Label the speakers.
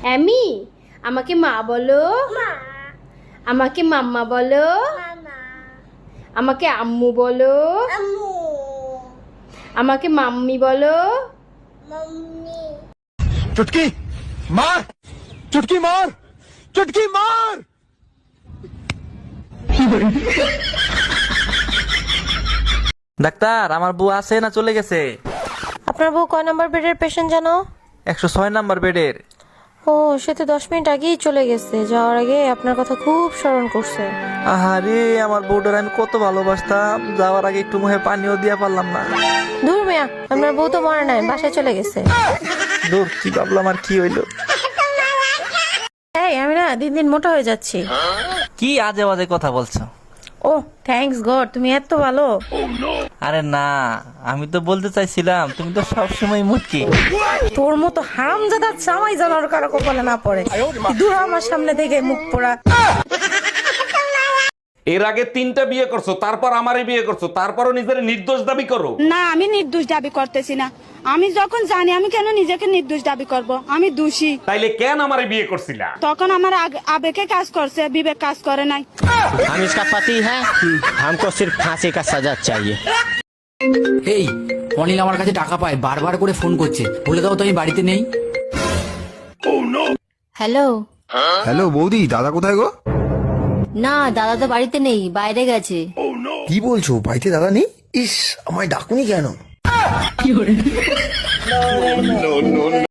Speaker 1: অ্যামি, আমাকে মা বলো। আমাকে মাম্মা বলো। আমাকে আম্মু বলো। আমাকে মাম্মি বলো।
Speaker 2: चुटकी मार, चुटकी मार, चुटकी मार।
Speaker 3: ডাক্তার, আমার বউ আছে না চলে গেছে?
Speaker 4: আপনার বউ কয় নম্বর বেডের পেশেন্ট জানো?
Speaker 3: 106 নাম্বার বেডের।
Speaker 4: ও, সে তো 10 মিনিট আগেই চলে গেছে। যাওয়ার আগে আপনার কথা খুব স্মরণ করছে।
Speaker 3: আহারে, আমার বউটার আমি কত ভালোবাসতাম, যাওয়ার আগে একটু মুখে পানিও দিয়া পারলাম না।
Speaker 4: দূর মিয়া, আপনার বউ তো মরে নাই, বাসায় চলে গেছে।
Speaker 3: দূর, কি ভাবলাম আর কি হইলো।
Speaker 4: এই, আমি না দিন দিন মোটা হয়ে যাচ্ছি।
Speaker 3: কি আজে বাজে কথা বলছো?
Speaker 4: ও, থ্যাঙ্কস গড, তুমি এত ভালো।
Speaker 3: আরে না, আমি তো বলতে চাইছিলাম তুমি তো সবসময় মুটকি।
Speaker 4: তোর মতো হারামজাদা জামাই জানার কারো কপালে না পড়ে। দূর আমার সামনে থেকে মুখ পোড়া।
Speaker 5: এর আগে 3টা বিয়ে করছো, তারপর আমারই বিয়ে করছো, তারপরও নিজের নির্দোষ দাবি করো।
Speaker 6: না, আমি নির্দোষ দাবি করতেছি না। আমি যখন জানি, আমি কেন নিজেকে নির্দোষ দাবি করব? আমি দোষী।
Speaker 5: তাইলে কেন আমারে বিয়ে করছিলা?
Speaker 6: তখন আমার আবেগে কাজ করছে, বিবেক কাজ করে নাই।
Speaker 7: हम इसका पति है, हमको सिर्फ फांसी का सजा चाहिए।
Speaker 8: এই অনিল আমার কাছে টাকা পায়, বারবার করে ফোন করছে, বলে দাও তো আমি বাড়িতে নেই।
Speaker 9: হ্যালো।
Speaker 2: হ্যালো বৌদি, দাদা কোথায় গো?
Speaker 9: না, দাদা তো বাড়িতে নেই, বাইরে গেছে।
Speaker 2: কি বলছো, বাড়িতে দাদা নেই? ইস, আমায় ডাকুনি কেন?